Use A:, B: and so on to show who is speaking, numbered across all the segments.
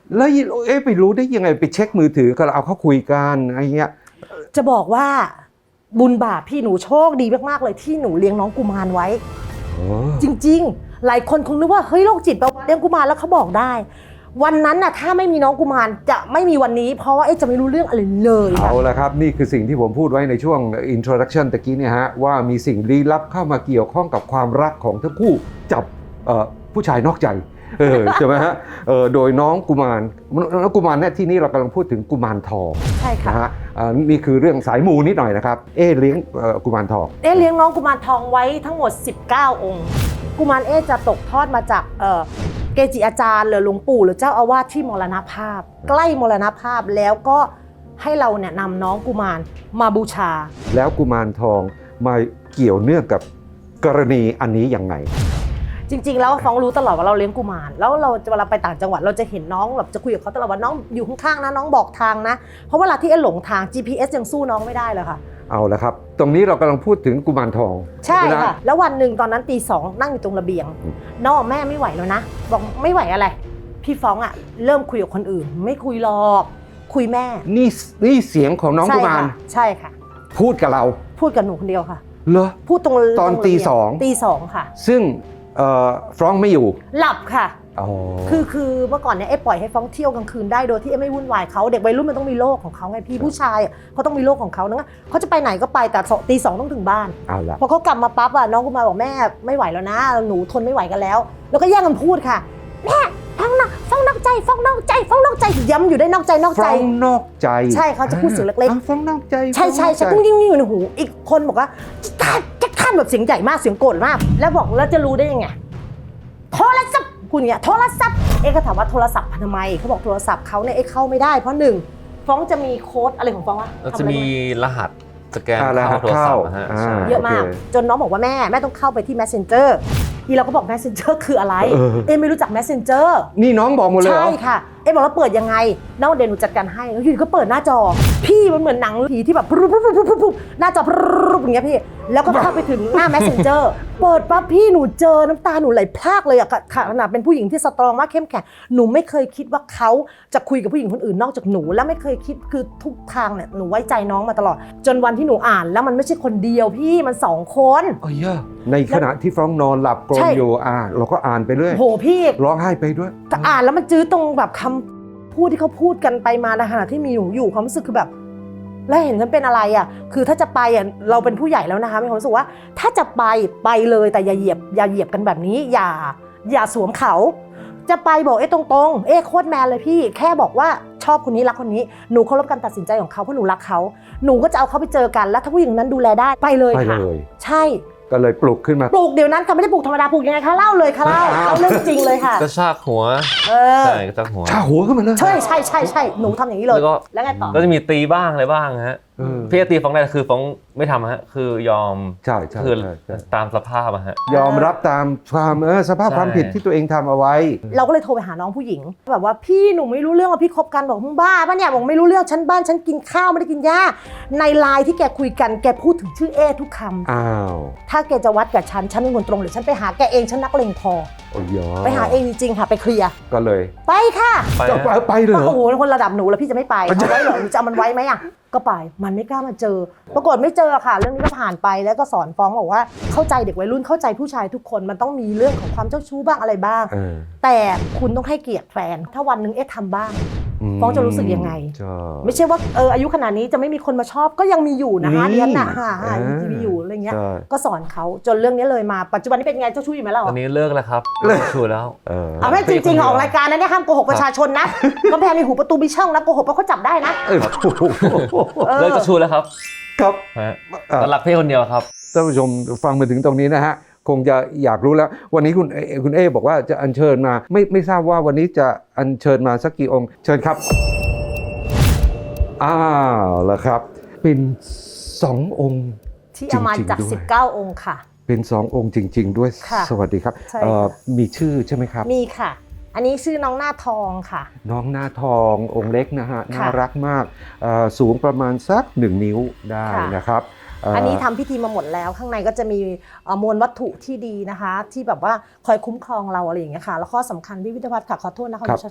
A: แล้วไปรู้ได้ยังไงไปเช็คมือถือก็เอาเขาคุยกันอะไรเงี้ย
B: จะบอกว่าบุญบาปพี่หนูโชคดีมากๆเลยที่หนูเลี้ยงน้องกุมารไว้จริงๆหลายคนคงนึกว่าเฮ้ยโรคจิตเราเลี้ยงกุมารแล้วเขาบอกได้วันนั้นน่ะถ้าไม่มีน้องกุมารจะไม่มีวันนี้เพราะว่าจะไม่รู้เรื่องอะไรเลย
A: เอาละครับนี่คือสิ่งที่ผมพูดไว้ในช่วง introduction ตะกี้เนี่ยฮะว่ามีสิ่งลี้ลับเข้ามาเกี่ยวข้องกับความรักของทั้งคู่จับผู้ชายนอกใจใช่ไหมฮะโดยน้องกุมารเนี่ยที่นี่เรากำลังพูดถึงกุมารทอง
B: ใช่ค่ะ
A: นะฮะนี่คือเรื่องสายมูนิดหน่อยนะครับเลี้ยงกุมารทอง
B: เลี้ยงน้องกุมารทองไว้ทั้งหมด19องค์กุมารจะตกทอดมาจากเกจิอาจารย์หรือหลวงปู่หรือเจ้าอาวาสที่มรณภาพใกล้มรณภาพแล้วก็ให้เราเนี่ยนำน้องกุมารมาบูชา
A: แล้วกุมารทองมาเกี่ยวเนื่องกับกรณีอันนี้ยังไง
B: จริงๆแล้วฟ้องรู้ตลอดว่าเราเลี้ยงกุมารแล้วเราเวลาไปต่างจังหวัดเราจะเห็นน้องแบบจะคุยกับเขาตลอดว่าน้องอยู่ข้างๆนะน้องบอกทางนะเพราะเวลาที่หลงทาง GPS ยังสู้น้องไม่ได้เลยค่ะ
A: เอาละครับตรงนี้เรากำลังพูดถึงกุมารทอง
B: ใช่ค่ะแล้ววันหนึ่งตอนนั้นตี 2นั่งอยู่ตรงระเบียงน้องแม่ไม่ไหวแล้วนะบอกไม่ไหวอะไรพี่ฟ้องเริ่มคุยกับคนอื่นไม่คุยหรอกคุยแม่
A: นี่เสียงของน้องกุมาร
B: ใช่ค่ะ
A: พูดกับเรา
B: พูดกับหนูคนเดียวค่ะ
A: เหรอ
B: พูดตรง
A: ตอนตี
B: 2ค่ะ
A: ซึ่งฟรองก์ไม่อยู่
B: หลับค่ะคือเมื่อก่อนเนี่ยปล่อยให้ฟ้องเที่ยวกลางคืนได้โดยที่ไม่วุ่นวายเขาเด็กวัยรุ่นมันต้องมีโลกของเขาไงพี่ผู้ชายเขาต้องมีโลกของเขานะเขาจะไปไหนก็ไปแต่ตี 2ต้องถึงบ้านพอเขากลับมาปั๊บน้องกุมารบอกแม่ไม่ไหวแล้วนะหนูทนไม่ไหวกันแล้วแล้วก็แย่งกันพูดค่ะแม่ฟ้องนอกใจฟ้องนอกใจย้ำอยู่ได้นอกใจ
A: ฟ้องนอกใจ
B: ใช่เขาจะพูดเสียงเล็ก
A: ๆฟ้องนอกใจ
B: ใช่กุ้งยิ่งอยู่ในหูอีกคนบอกว่าท่านแบบเสียงใหญ่มากเสียงโกรธมากแล้วบอกแล้วจะรู้ได้ยังไงโทรศัพท์คุณเนี่ยโทรศัพท์ก็ถามว่าโทรศัพท์ทำไมเขาบอกโทรศัพท์เขาเนี่ยเข้าไม่ได้เพราะ1ฟ้องจะมีโค้ดอะไรของฟ้องวะ
C: จะมีรหัสสแกนเข้าโทรศัพท์
B: เยอะมากจนน้องบอกว่าแม่ต้องเข้าไปที่ Messenger ที่เราก็บอก Messenger คืออะไรไม่รู้จัก Messenger
A: นี่น้องบอกหมดเลยเหรอ
B: ใช่ค่ะบอกแล้วเปิดยังไงน้องเดนหนูจัดการให้แล้วอยู่ก็เปิดหน้าจอพี่มันเหมือนหนังผีที่แบบหน้าจออย่างเงี้ยพี่แล้วก็เข้าไปถึงหน้า Messenger เปิดปั๊บพี่หนูเจอน้ำตาหนูไหลพรากเลยอะขนาดเป็นผู้หญิงที่สตรองมากเข้มแข็งหนูไม่เคยคิดว่าเขาจะคุยกับผู้หญิงคนอื่นนอกจากหนูและไม่เคยคิดคือทุกทางเนี่ยหนูไว้ใจน้องมาตลอดจนวันที่หนูอ่านแล้วมันไม่ใช่คนเดียวพี่มัน2คน
A: ในขณะที่ฟรองนอนหลับกรนอยู่เราก็อ่านไปเรื่อย
B: โหพี่
A: ร้องไห้ไปด้วย
B: แต่อ่านแล้วมันจื้อตรงแบบคำพูดที่เขาพูดกันไปมาในขณะที่มีหนูอยู่ความรู้สึกคือแบบแล้วเห็นฉันเป็นอะไรคือถ้าจะไปเราเป็นผู้ใหญ่แล้วนะคะมีความรู้สึกว่าถ้าจะไปเลยแต่อย่าเหยียบกันแบบนี้อย่าสวมเขาจะไปบอกตรงๆโคตรแมนเลยพี่แค่บอกว่าชอบคนนี้รักคนนี้หนูเคารพการตัดสินใจของเขาเพราะหนูรักเขาหนูก็จะเอาเขาไปเจอกันแล้วถ้าผู้หญิงนั้นดูแลได้ไปเลยค่ะใช่
A: ก็เลยปลุกขึ้นมา
B: ปลุกเดี๋ยวนั้นค่ะไม่ได้ปลุกธรรมดาปลุกยังไงคะเล่าเลยค่ะเล่าเรื่องจริงเลยค่ะ
C: กระชากหัวใช่กระชากหัว
A: ขึ้นมาเลย
B: ใช่หนูทำอย่างนี้เลยแล้วไงต่อ
C: ก็จะมีตีบ้างอะไรบ้างฮะพี่ตีฟ้องได้คือฟ้องไม่ทำฮะคือยอม
A: ใช่
C: คือตามสภาพฮะ
A: ยอมรับตามความสภาพความผิดที่ตัวเองทำเอาไว้
B: เราก็เลยโทรไปหาน้องผู้หญิงแบบว่าพี่หนูไม่รู้เรื่องว่าพี่คบกันบอกมึงบ้าป่ะเนี่ยบอกไม่รู้เรื่องฉันบ้านฉันกินข้าวไม่ได้กินหญ้าในไลน์ที่แกคุยกันแกพูดถึงชื่อทุกคำถ้าแกจะวัดกับฉันเป็นคนตรงหรือฉันไปหาแกเองฉันนักเลงพอไปหาเองจริงๆค่ะไปเคลียร์
A: ก็เลย
B: ไปค่ะ
A: ไปเลย
B: โอ้โหคนระดับหนูแล้วพี่จะไม่ไปเอาไว้เหรอหนูจะเอามันไว้ไหมก็ไปมันไม่กล้ามาเจอปรากฏไม่เจอค่ะเรื่องนี้ก็ผ่านไปแล้วก็สอนฟ้องบอกว่าเข้าใจเด็กวัยรุ่นเข้าใจผู้ชายทุกคนมันต้องมีเรื่องของความเจ้าชู้บ้างอะไรบ้างแต่คุณต้องให้เกียรติแฟนถ้าวันนึงทำบ้างฟ้องจะรู้สึกยังไงไม่ใช่ว่าอายุขนาดนี้จะไม่มีคนมาชอบก็ยังมีอยู่นะคะเรียนยังมีอยู่อะไรเงี้ยก็สอนเขาจนเรื่องนี้เลยมาปัจจุบันนี้เป็นไงเจ้าชู้อยู่ไหมล่ะ
C: ตอนนี้เลิกแล้วครับเลิกชู้แล้ว
B: เอาไม่จริงๆออกรายการนั้นเนี่ยห้ามโกหกประชาชนนะกำแพงในหูประตูมีช่องนะโกหกเพราะเขาจับได้นะ
C: เลิกจะชู้แล้วครับ
A: ครับ
C: รักพี่คนเดียวครับ
A: ท่านผู้ชมฟังมาถึงตรงนี้นะฮะคงจะอยากรู้แล้ววันนี้คุณบอกว่าจะอัญเชิญมาไม่ทราบว่าวันนี้จะอัญเชิญมาสักกี่องค์เชิญครับแล้วครับเป็น2องค์
B: ที่เอามาจาก19องค์ค่ะ
A: เป็น2องค์จริงๆด้วยสวัสดีครับมีชื่อใช่ไหมครับ
B: มีค่ะอันนี้ชื่อน้องหน้าทองค่ะ
A: น้องหน้าทององค์เล็กนะฮะน่ารักมากสูงประมาณสัก1 นิ้วได้นะครับ
B: อันนี้ทำพิธีมาหมดแล้วข้างในก็จะมีมวลวัตถุที่ดีนะคะที่แบบว่าคอยคุ้มครองเราอะไรอย่างเงี้ยค่ะแล้วข้อสำคัญพิพิธภัณฑ์ค่ะขอโทษนะคะประชาชน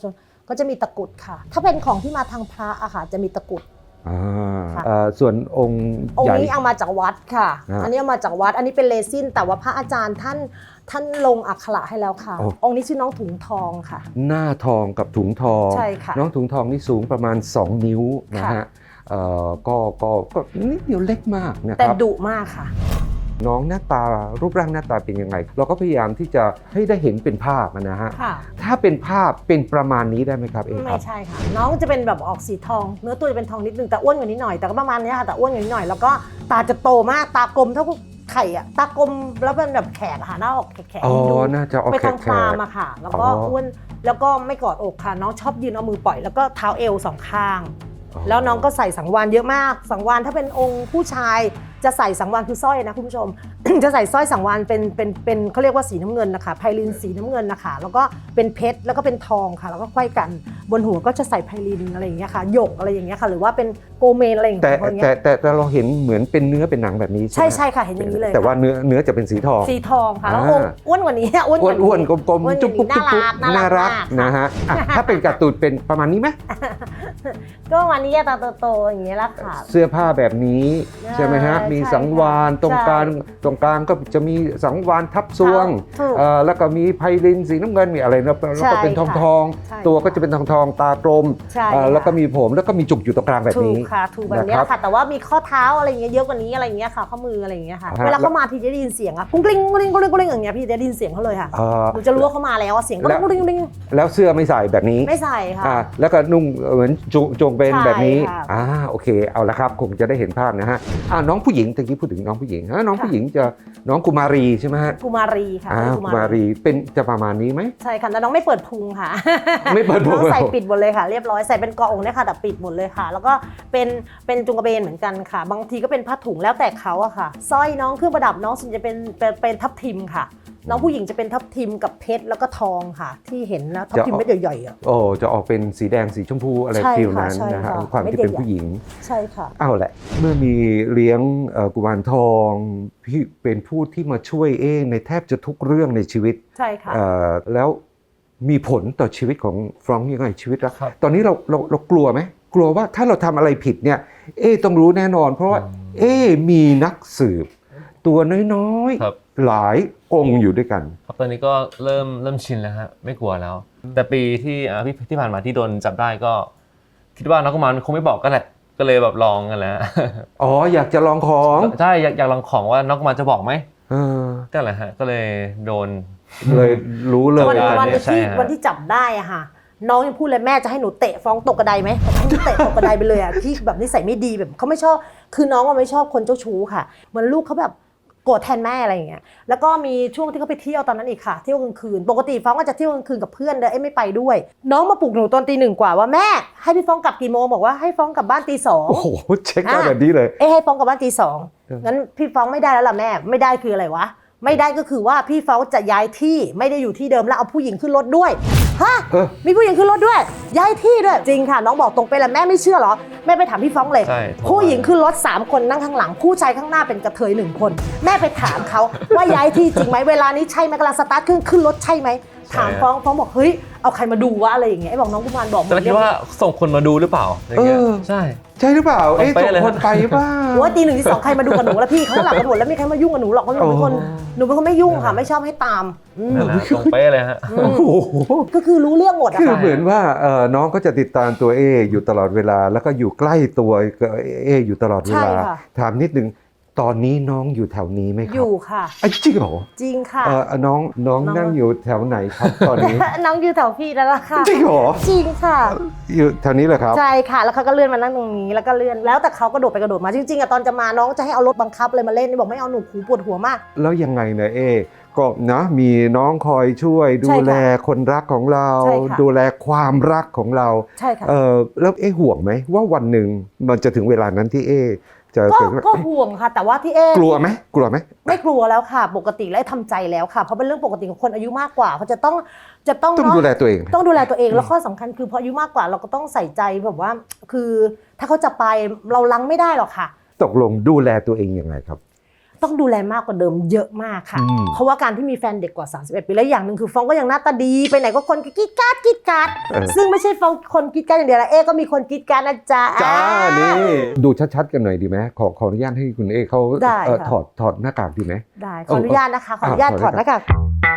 B: ก็จะมีตะกรุดค่ะ ถ้าเป็นของที่มาทางพระอะค่ะจะมีตะกรุด ค่ะ
A: ส่วนองค์
B: อง
A: ให
B: ค์
A: ญ่
B: นี้เอามาจากวัดค่ะ
A: อ่า
B: อันนี้เอามาจากวัด อันนี้เป็นเรซินแต่ว่าพระอาจารย์ท่านลงอักขระให้แล้วค่ะ
A: โอ้
B: องค์นี้ชื่อน้องถุงทองค่ะ
A: หน้าทองกับถุงทอง
B: ใช่ค่ะ
A: น้องถุงทองนี่สูงประมาณ 2 นิ้วนะ
B: ค่ะ
A: ฮะก็นิดเดียวเล็กมากนะค
B: แต่
A: รับ
B: ดุมากค่ะ
A: น้องหน้าตารูปร่างหน้าตาเป็นยังไง เราก็พยายามที่จะให้ได้เห็นเป็นภาพนะฮะ
B: ค่ะ
A: ถ้าเป็นภาพเป็นประมาณนี้ได้ไหมครับเอค
B: ไม่
A: รับ
B: ใช่ค่ะ น้องจะเป็นแบบออกสีทอง เนื้อตัวจะเป็นทองนิดนึงแต่อ้วนกว่านี้หน่อย แต่ก็ประมาณนี้ค่ะแต่อ้วนกว่านี้หน่อย แล้วก็ตาจะโตมากตากลมเท่าไข่อะตากลมแล้วเป็นแบบแขกอะค่ะหน้าออกแขก
A: อ๋อ
B: ดู
A: น่าจะออก
B: ไป
A: แข
B: ทาง
A: ก
B: พรามอะค่ะ แล้วก็
A: อ๋ออ้
B: อ้วนแล้วก็ไม่กอดอกค่ะ น้องชอบยืนเอามือปล่อยแล้วก็เท้าเอวสองข้าง แล้วน้องก็ใส่สังวานเยอะมาก สังวานถ้าเป็นองค์ผู้ชายจะใส่สังวานคือสร้อยนะคุณผู้ชม จะใส่สร้อยสังวานเป็นเขาเรียกว่าสีน้ำเงินนะคะไพลินสีน้ำเงินนะคะแล้วก็เป็นเพชรแล้วก็เป็นทองค่ะแล้วก็ไขว้กันบนหัวก็จะใส่ไพลินอะไรอย่างเงี้ยค่ะหยกอะไรอย่างเงี้ยค่ะหรือว่าเป็นโกเมนอะไรอย่าง
A: แต่
B: เงี้ยพวกเนี้ย
A: แต่เราเห็นเหมือนเป็นเนื้อเป็นหนังแบบนี้ใช่
B: ใช่
A: ไหม
B: ใช่ค่ะเห็นอย่างนี้เลย
A: แต่ว่า
B: ค่ะ
A: เนื้อจะเป็นสีทอง
B: สีทองค่ะแล้ว
A: อ่า
B: องค์อ้วนกว่านี้อ้วนกว่านี้
A: อ้วนๆกลม
B: อ้วน
A: ๆ
B: ก
A: จุ๊บ
B: ว่า
A: ปุ๊บ
B: นี้
A: จุ๊บปุ๊บ
B: น่ารัก
A: นะฮะอ่ะถ้าเป็นการ์ตูนเป็นประมาณนี้ไหม
B: ก็วันนี้ตาโตๆอย่างเงี้ยแหละค่ะ
A: เสื้อผ้าแบบนี้ใช่ไหมฮะ
B: ใช่
A: มีสังวาน
B: ค่ะ
A: ตรงกลางก็จะมีสังวานทับซวง
B: ถูก
A: แล้วก็มีไพลินสีน้ำเงินมีอะไรนะแล้วก็เป็นทอง
B: ใช่
A: ทอง
B: ใช่
A: ตัวก็จะเป็นทองทองตากลม
B: ใช่
A: แล้วก็
B: ค่ะ
A: มีผมแล้วก็มีจุกอยู่ตรงกลางแบบ
B: ถู
A: นี้
B: กค่ะถูกแบบเนี้ย
A: นะครับ
B: ค่ะแต่ว่ามีข้อเท้าอะไรอย่างเงี้ยเยอะกว่านี้อะไรอย่างเงี้ยค่ะข้อมืออะไรอย่างเงี้ยค่ะ
A: ฮะ
B: เวลาเขามาทีจะได้ยินเสียงอะกุ้งกลิ้งกุ้งกลิ้งกุ้งกลิ้งกุ้งกลิ้งอย่างเงี้ยพี่จะได้ยินเสียงเขาเลยค่ะ
A: เอ่อ
B: หนูจะรู้ว่าเขามาแล้วอะเสียงกุ้ง
A: แล้ว
B: กลิ้งกุ้งกลิ้ง
A: แล้วเสื้อไม่ใส่แบบนี้
B: ไม่ใส่ค่ะ
A: แล้วก็นุ่งเหมือนจงเป็น
B: ใช่
A: แบบนี้
B: ค่ะ
A: โอเคเอาละครับคงจะได้เห็นภาพนะฮะน้องผู้หญิงตะกี้พูดถึงน้องผู้หญิงน้องผู้หญิงจะน้องกุมารีใช่ไหมฮะ
B: กุมารีค่ะ
A: กุมารีเป็นจะประมาณนี้ไหม
B: ใช่ค่ะแต่น้องไม่เปิดพุงค่ะ
A: ไม่เปิดพุง
B: น้องใส่ปิดหมดเลยค่ะ เรียบร้อยใส่เป็นเกาะอกเนี่ยค่ะแต่ปิดหมดเลยค่ะ แล้วก็เป็นจุงกระเบนเหมือนกันค่ะ บางทีก็เป็นผ้าถุงแล้วแต่เขาอะค่ะสร้อยน้องเครื่องประดับน้องส่วนจะเป็นทับทิมค่ะ น้องผู้หญิงจะเป็นทับทิมกับเพชรแล้วก็ทองค่ะ ที่เห็นนะทับทิมเม็ดใหญ่ๆอะ
A: โอ้จะออกเป็นสีแดงสีชมพูอะไร
B: ใช่
A: ฟิล
B: ค่ะ
A: นั้น
B: ใช่
A: นะฮะ
B: ค่ะ
A: ความที่เป็นผู้หญิง
B: ใช่ค่ะ
A: เอาแหละเมื่อมีเลี้ยงกุมารทองพี่เป็นผู้ที่มาช่วยในแทบจะทุกเรื่องในชีวิต
B: ใช่ค่ะ
A: แล้วมีผลต่อชีวิตของฟรองก์ยังไงชีวิตละ
C: ครับ
A: ตอนนี้เรากลัวไหมกลัวว่าถ้าเราทำอะไรผิดเนี่ยต้องรู้แน่นอน เพราะว่ามีนักสืบ ตัวน้อย
C: ครับ
A: ๆหลายองค์อยู่ด้วยกัน
C: ครับตอนนี้ก็เริ่มชินแล้วฮะไม่กลัวแล้ว แต่ปีที่ผ่านมาที่โดนจับได้ก็ คิดว่านักกุมารคงไม่บอกกันแหละก็เลยแบบลองกันแล้ว
A: อ๋ออยากจะลองของ
C: ใช่อยากลองของว่านักกุมารจะบอกไหม
A: เออ
C: ก็แหละฮะก็เลยโดน
A: เลยรู้เลย
B: วัน
C: ได้
B: วัน
C: ใช่
B: ที่
C: ฮะ
B: วันที่จับได้อะค่ะ น้องยังพูดเลยแม่จะให้หนูเตะฟ้องตกกระไดไหมให้หนูเตะตกกระไดไปเลยอะที่แบบนิสัยไม่ดีแบบเขาไม่ชอบคือน้องว่าไม่ชอบคนเจ้าชู้ค่ะเหมือนลูกเขาแบบโกรธแทนแม่อะไรอย่างเงี้ยแล้วก็มีช่วงที่เขาไปเที่ยวตอนนั้นอีกค่ะเที่ยวกลางคืนปกติฟ้องก็จะเที่ยวกลางคืนกับเพื่อนเลยไม่ไปด้วย น้องมาปลุกหนูตอนตี 1กว่าว่าแม่ให้พี่ฟ้องกลับกี่โมงบอกว่าให้ฟ้องกลับบ้านตี 2
A: โอ้โหเช็คได้แบบนี้เลย
B: ให้ฟ้องกลับบ้านตี 2งั้นพี่ฟ้องไม่ได้แล้วล่ะแม่ไม่ได้คืออะไรวะไม่ได้ก็คือว่าพี่ฟ้องจะย้ายที่ไม่ได้อยู่ที่เดิมแล้วเอาผู้หญิงขึ้นรถด้วยฮะ
A: เออ
B: มีผู้หญิงขึ้นรถด้วยย้ายที่ด้วยจริงค่ะน้องบอกตรงไปแล้วแม่ไม่เชื่อเหรอแม่ไปถามพี่ฟ้องเลย
C: ใช่
B: ผู้หญิงขึ้นรถ3คนนั่งข้างหลังผู้ชายข้างหน้าเป็นกระเทย1คนแม่ไปถามเขาว่าย้ายที่จริงไหมเวลานี้ใช่ไหมกำลังสตาร์ทเครื่องขึ้นรถใช่ไหมถามฟ้องบอกเฮ้ยเอาใครมาดูวะอะไรอย่างเงี้ยไอ้บอกน้องกุมารบอกหม
C: แต่
B: ด
C: เราคิดว่าส่งคนมาดูหรือเปล่าอย่างเงี้ยใช่
A: ใช่หรือเปล่า
C: ตรงเป๊ะ
A: ส่ง
C: เลย
A: คนไปเปล่า
B: ว่าตี 1 ตี 2ใครมาดูกับหนูแล้วพี่เขาหลับกันหมดแล้วไม่มีใครมายุ่งกับหนูหรอกเพราะหนูเป็นคน
A: โอ้
B: หนูเป็นคนไม่ยุ่งค่ะไม่ชอบให้ตามอืม
C: นั่นแหละตรงเป๊ะเลยฮะ
A: โอ้โห
B: ก็คือรู้เรื่องหมดอะ
A: คือ
B: ค่ะ
A: เหมือนว่าน้องก็จะติดตามตัวอยู่ตลอดเวลา แล้วก็อยู่ใกล้ตัวอยู่ตลอดเวลา
B: ใช่ค่ะ
A: ถามนิดนึงตอนนี้น้องอยู่แถวนี้ไหมค
B: อ
A: รับ
B: ยู่ค่ะ
A: จริงเหรอ
B: จริงค่ะ
A: น้อง
B: น้อง
A: นั่งอยู่แถวไหนครับตอนนี้
B: น้องอยู่แถวพี่แล้วล่ะค่ะ
A: จริงเหรอ
B: จริงค่ะ
A: อยู่แถวนี้เหรอครับ
B: ใช่ค่ะแล้วเขาก็เลื่อนมานั่งตรงนี้แล้วก็เลื่อนแล้วแต่เขากระโดดไปกระโดดมาจริงๆอะตอนจะมาน้องจะให้เอารถบังคับเลยมาเล่นนี่บอกไม่เอาหนูหูปวดหัวมาก
A: แล้วยังไงเนี่ยก็นะมีน้องคอยช่วยดู
B: ใช่ค่ะ
A: แลคนรักของเรา
B: ใช่ค่ะ
A: ดูแลความรักของเรา
B: ใช่ค่ะ
A: แล้วห่วงไหมว่าวันหนึ่งมันจะถึงเวลานั้นที่จะ
B: ก็ห่วงค่ะแต่ว่าที่
A: กลัวไหม
B: ไม่กลัวแล้วค่ะ ปกติและทำใจแล้วค่ะเพราะเป็นเรื่องปกติของคนอายุมากกว่าเขาจะต้อง
A: ต้อง
B: เนอะ
A: ดูแลตัวเอง
B: ต้องดูแลตัวเองแล้วข้อสำคัญคือพออายุมากกว่าเราก็ต้องใส่ใจแบบว่า คือถ้าเขาจะไปเราลังไม่ได้หรอกค่ะ
A: ตกลงดูแลตัวเองยังไงครับ
B: ต้องดูแลมากกว่าเดิมเยอะมากค่ะ เพราะว่าการที่มีแฟนเด็กกว่า31ปีแล้วอย่างหนึ่งคือฟองก็ยังหน้าตาดีไปไหนก็คนกิ๊กกัดกิ๊กกัดซึ่งไม่ใช่ฟองคนกิ๊กกัดอย่างเดียวละก็มีคนกิ๊กกัดนะจ๊ะ
A: จ้านี่ดูชัดๆกันหน่อยดีไหมขออนุญาตให้คุณเอเขา
B: ได้ค่ะ
A: ถอดหน้ากากดีไหม
B: ได้ขออนุญาตนะคะขออนุญาตถอดหน้ากาก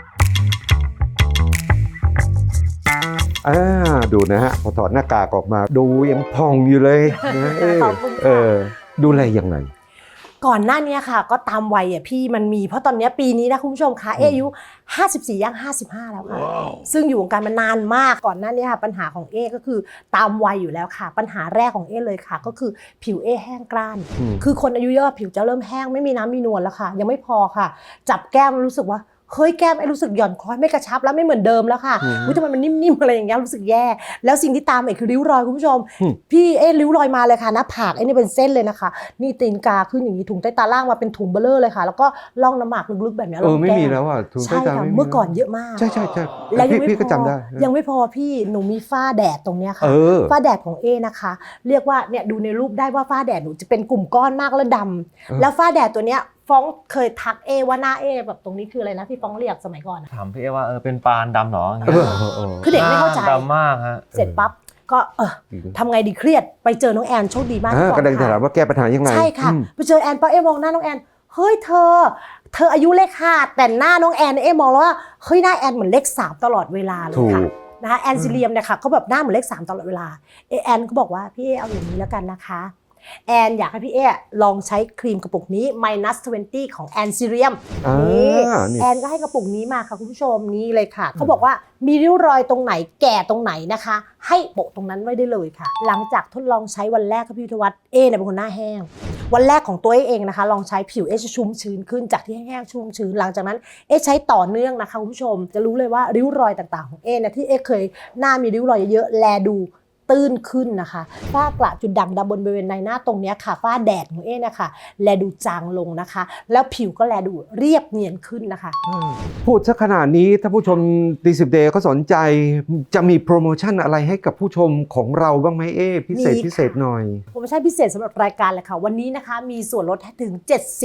A: ดูนะฮะพอถอดหน้ากากออกมาดูยังพองอยู่เลยนะเอ๊ะ
B: ขอบคุณค่ะ
A: ดูแลยังไง
B: ก่อนหน้านี้ค่ะก็ตามวัยพี่มันมีเพราะตอนนี้ปีนี้นะคุณผู้ชมคะอายุ54ย่าง55แล้วค่ะซึ่งอยู่วงการมานานมากก่อนหน้านี้ค่ะปัญหาของก็คือตามวัยอยู่แล้วค่ะปัญหาแรกของเลยค่ะก็คือผิวแห้งกร้านคือคนอายุเยอะผิวจะเริ่มแห้งไม่มีน้ำมีนวลแล้วค่ะยังไม่พอค่ะจับแก้มรู้สึกว่าเฮ้ยแก้มรู้สึกหย่อนคล้อยไม่กระชับแล้วไม่เหมือนเดิมแล้วค่ะทำไมมันนิ่มๆอะไรอย่างเงี้ยรู้สึกแย่แล้วสิ่งที่ตามคือริ้วรอยคุณผู้ชมพี่ริ้วรอยมาเลยค่ะหน้าผากนี่เป็นเส้นเลยนะคะนี่ตีนกาขึ้นอย่างนี้ถุงใต้ตาล่างมาเป็นถุงเบลเลอร์เลยค่ะแล้วก็ร่องน้ำหมากลึกๆแบบนี้
A: ไม่มีแล้วอ่ะถุงใต้
B: ใช่
A: ตา
B: ค่ะ
A: ไม่มี
B: เมื่อก่อนเยอะมาก
A: ใช่
B: แล้วยังไม่
A: พี่ก็จำได้
B: ยังไม่พอพี่หนูมีฝ้าแดดตรงเนี้ยค่ะฝ้าแดดของนะคะ เรียกว่าเนี่ยดูในรูปได้ว่าฝ้าแดดหนูจะเป็นกลุ่มก้อนมากแล้วดำแล้วฝ้าแดดตัวเนี้ยฟ้องเคยทักว่าหน้าแบบตรงนี้คืออะไรนะพี่ฟ้องเรียกสมัยก่อน
C: ถามพี่ว่าเป็นปานดำเหรอ
B: คือเด็กไม่เข้าใจ
C: ดำมากฮะ
B: เสร็จปั๊บก็ทำไงดีเครียดไปเจอน้องแอนโชคดีมากก่อน
A: ก็ได้ถามว่าแก้ปัญหายังไง
B: ใช่ค่ะไปเจอแอนปั๊บมองหน้าน้องแอนเฮ้ยเธออายุเลข5แต่หน้าน้องแอนมองแล้วว่าเฮ้ยหน้าแอนเหมือนเลข3ตลอดเวลาเลยค่ะนะคะแอนซิเลียมเนี่ยค่ะเขาแบบหน้าเหมือนเลข3ตลอดเวลาแอนก็บอกว่าพี่เอาอย่างนี้แล้วกันนะคะแอนอยากให้พี่ลองใช้ครีมกระปุกนี้ minus 20 ของแอนซิเลียมนี่แอนก็ให้กระปุกนี้มาค่ะคุณผู้ชมนี่เลยค่ะเขาบอกว่ามีริ้วรอยตรงไหนแก่ตรงไหนนะคะให้โปะตรงนั้นไว้ได้เลยค่ะหลังจากทดลองใช้วันแรกค่ะพี่วิทยาวัฒน์เนี่ยเป็นคนหน้าแห้งวันแรกของตัวเองนะคะลองใช้ผิวจะชุ่มชื้นขึ้นจากที่แห้งๆชุ่มชื้นหลังจากนั้นใช้ต่อเนื่องนะคะคุณผู้ชมจะรู้เลยว่าริ้วรอยต่างๆของนะที่เคยหน้ามีริ้วรอยเยอะๆแลดูตื้นขึ้นนะคะฝ้ากระจุดด่างดำบริเวณในหน้าตรงนี้ค่ะฝ้าแดดของนะคะแลดูจางลงนะคะแล้วผิวก็แลดูเรียบเนียนขึ้นนะคะ
A: พูดซะขนาดนี้ถ้าผู้ชมตี10 Day เขาสนใจจะมีโปรโมชั่นอะไรให้กับผู้ชมของเราบ้างไหมพิเศษหน่อย
B: โปรโมชั่นพิเศษสำหรับรายการเลยค่ะวันนี้นะคะมีส่วนลดถึง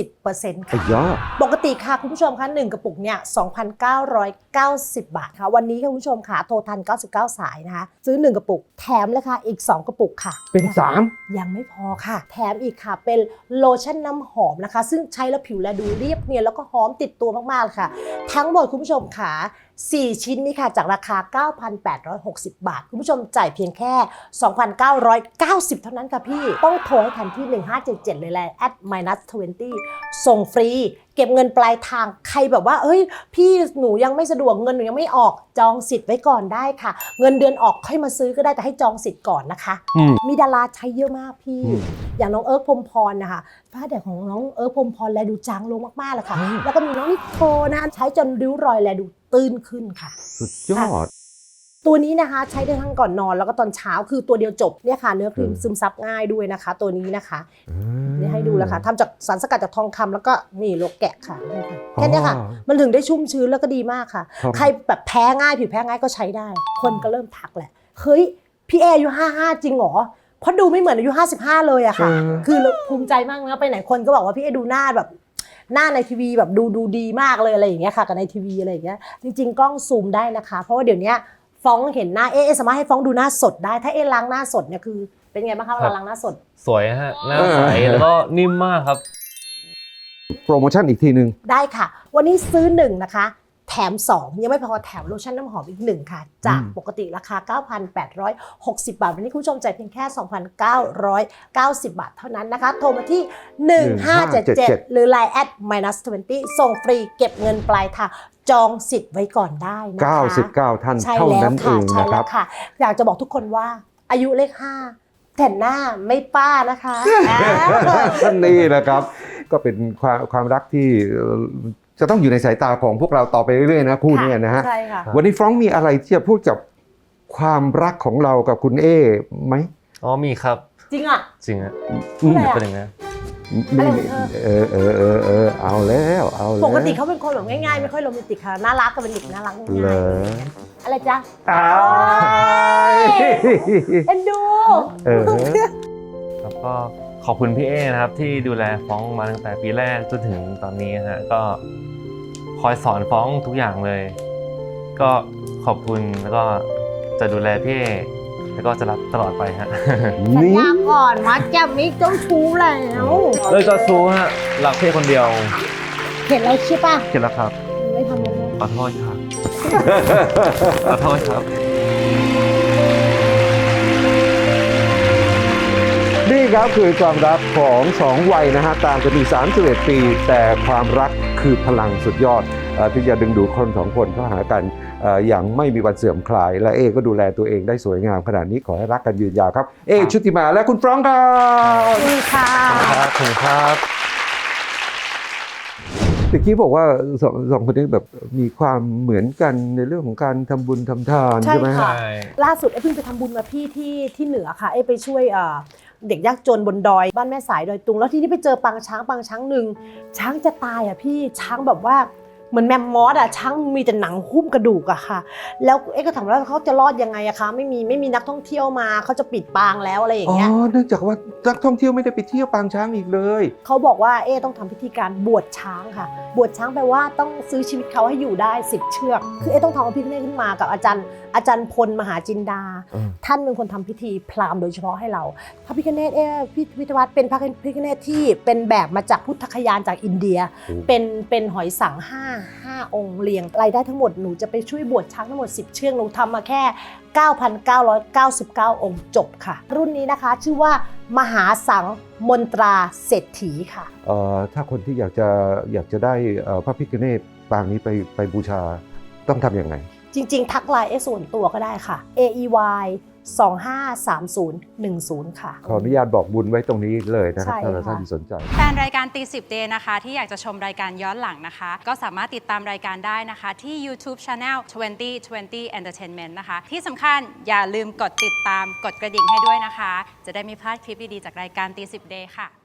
B: 70% ค่ะปกติค่ะคุณผู้ชมคะ1กระปุกเนี่ย 2,990 บาทค่ะวันนี้ค่ะคุณผู้ชมค่ะโทรทัน99สายนะคะซื้อ1กระปุกแถมเลยค่ะอีก2กระปุกค่ะ
A: เป็น3
B: ยังไม่พอค่ะแถมอีกค่ะเป็นโลชั่นน้ำหอมนะคะซึ่งใช้แล้วผิวแลดูเรียบเนียนแล้วก็หอมติดตัวมากๆเลยค่ะทั้งหมดคุณผู้ชมค่ะ4ชิ้นนี้ค่ะจากราคา 9,860 บาทคุณผู้ชมจ่ายเพียงแค่ 2,990 เท่านั้นค่ะพี่ต้องโทรให้ทันที่1577เลยแหละ @-20 ส่งฟรีเก็บเงินปลายทางใครแบบว่าเอ้ยพี่หนูยังไม่สะดวกเงินหนูยังไม่ออกจองสิทธิ์ไว้ก่อนได้ค่ะเงินเดือนออกค่อยมาซื้อก็ได้แต่ให้จองสิทธิ์ก่อนนะคะมีดาราใช้เยอะมากพี่อย่างน้องพรหมพรนะคะฝ้าแดดของน้องพรหมพรแลดูจางลงมากๆเลยค่ะแล้วก็มีน้องนิโคนะใช้จนริ้วรอยแลดูตื้นขึ้นค่ะ
A: สุดยอด
B: ตัวนี้นะคะใช้ได้ทั้งก่อนนอนแล้วก็ตอนเช้าคือตัวเดียวจบเนี่ยค่ะเนื้อครีมซึมซับง่ายด้วยนะคะตัวนี้นะคะนี่ให้ดูแล้วค่ะทำจากสารสกัดจากทองคำแล้วก็นี่โลแกะค่ะแค่นี้ค่ะมันถึงได้ชุ่มชื้นแล้วก็ดีมากค่ะใครแบบแพ้ง่ายผิวแพ้ง่ายก็ใช้ได้คนก็เริ่มทักแหละเฮ้ยพี่อายุ55จริงเหรอเพราะดูไม่เหมือนอายุ55เลยอะค่ะคือภูมิใจมากนะไปไหนคนก็บอกว่าพี่ดูหน้าแบบหน้าในทีวีแบบดูดีมากเลยอะไรอย่างเงี้ยค่ะกับในทีวีอะไรอย่างเงี้ยจริงๆกล้องซูมได้นะคะเพราะว่าเดี๋ยวนี้ฟ้องเห็นหน้าสามารถให้ฟ้องดูหน้าสดได้ถ้าล้างหน้าสดเนี่ยคือเป็นไงบ้างคะเวลาล้างหน้าสด
C: สวยฮะหน้าใสแล้วก็นิ่มมากครับ
A: โปรโมชั่นอีกทีนึง
B: ได้ค่ะวันนี้ซื้อ1นะคะแถม2ยังไม่พอแถมโลชั่นน้ำหอมอีก1ค่ะจากปกติราคา 9,860 บาทวันนี้คุณผู้ชมจ่ายเพียงแค่ 2,990 บาทเท่านั้นนะคะโทรมาที่1577หรือ Line @-20 ส่งฟรีเก็บเงินปลายทางจองสิทธิ์ไว้ก่อนได้นะคะ
A: 99ท่านเท่านั้นเองนะครับ
B: อยากจะบอกทุกคนว่าอายุเลข5แต่หน้าไม่ป้านะคะ
A: นี่นะครับก็เป็นความรักที่จะต้องอยู่ในสายตาของพวกเราต่อไปเรื่อยๆนะคู่นี้นะฮะวันนี้ฟรองก์มีอะไรที่จะพูดกับความรักของเรากับคุณไหม
C: มีครับ
B: จริงอ่ะ
C: จริงอ่ะเป็นยังไง
A: เอาแล้ว
B: ปกติเขาเป็นคนแบบง่ายๆไม่ค่อยโรแมนติกค่ะน่ารักก็เป็นเด็กน่ารักง่ายอะไรจ๊ะเอ็นดู
C: แล้วก็ขขอบคุณพี่เอนะครับที่ดูแลฟ้องมาตั้งแต่ปีแรกจนถึงตอนนี้ฮะก็คอยสอนฟ้องทุกอย่างเลย ก็ขอบคุณแล้วก็จะดูแลพี่เอแล้วก็จะรับตลอดไปฮะ
B: สัญ
A: นี่
B: ญาก่อนมัดแก้มมิกเจ้าชู้แล้ว
C: เลยจะชู้ฮะรักพี่คนเดียว
B: เห็นแล้วใช่ปะ
C: เสร็จแล้วครับ
B: ไม่ทำเลย
C: ขอโทษครับ ขอโทษครับ
A: นี่ครับคือความรักของสองวัยนะฮะต่างกันมี31 ปี แต่ความรักคือพลังสุดยอดที่จะดึงดูดคนสองคนเข้าหากันอย่างไม่มีวันเสื่อมคลาย และเอก็ดูแลตัวเองได้สวยงามขนาดนี้ขอให้รักกันยืนยาวครับ เอชุติมาและคุณฟรองก์ครับ
B: นี่ค่ะ
C: ครับถึงครับ
A: ตะกี้บอกว่าสองคนนี้แบบมีความเหมือนกันในเรื่องของการทำบุญทำทานใช่ไหม
B: ใช่ค่ะ
C: ใช่
B: ล่าสุดเพิ่งไปทำบุญมาพี่ที่เหนือค่ะไปช่วยเด็กยากจนบนดอยบ้านแม่สายดอยตุงแล้วที่นี่ไปเจอปางช้างหนึ่งช้างจะตายพี่ช้างแบบว่าเหมือนแมมมอสช้างมีแต่หนังหุ้มกระดูกค่ะแล้วก็ถามว่าเขาจะรอดยังไงคะไม่มีนักท่องเที่ยวมาเขาจะปิดปางแล้วอะไรอย่างเงี้ย
A: เนื่องจากว่านักท่องเที่ยวไม่ได้ไปเที่ยวปางช้างอีกเลย
B: เขาบอกว่าต้องทำพิธีการบวชช้างค่ะบวชช้างแปลว่าต้องซื้อชีวิตเขาให้อยู่ได้10เชือกคือต้องทำพิธีนี้ขึ้นมากับอาจารย์พลมหาจินดา ท่านเป็นคนทำพิธีพราหมณ์โดยเฉพาะให้เราพระพิฆเนศพิพิธภัณฑ์เป็นพระพิฆเนศที่เป็นแบบมาจากพุทธคยานจากอินเดีย เป็นหอยสัง5องค์เรียงรายได้ทั้งหมดหนูจะไปช่วยบวชช้างทั้งหมด10เชือกหนูทำมาแค่ 9,999 องค์จบค่ะ รุ่นนี้นะคะชื่อว่ามหาสังมนตราเศรษฐีค่ะ
A: ถ้าคนที่อยากจะได้พระพิฆเนศปางนี้ไปบูชาต้องทำยังไง
B: จริงๆ ทักไลน์ส่วนตัวก็ได้ค่ะ AEY 253010 ค่ะ
A: ขออนุญาตบอกบุญไว้ตรงนี้เลยนะครับ
B: ใช่
A: ถ้าท่าน
B: ค่ะ
A: สนใจ
D: แฟนรายการตีสิบเดย์นะคะที่อยากจะชมรายการย้อนหลังนะคะ ก็สามารถติดตามรายการได้นะคะที่ YouTube Channel 2020 Entertainment นะคะ ที่สำคัญอย่าลืมกดติดตามกดกระดิ่งให้ด้วยนะคะ จะได้ไม่พลาดคลิปดี ๆ จากรายการตีสิบเดย์ค่ะ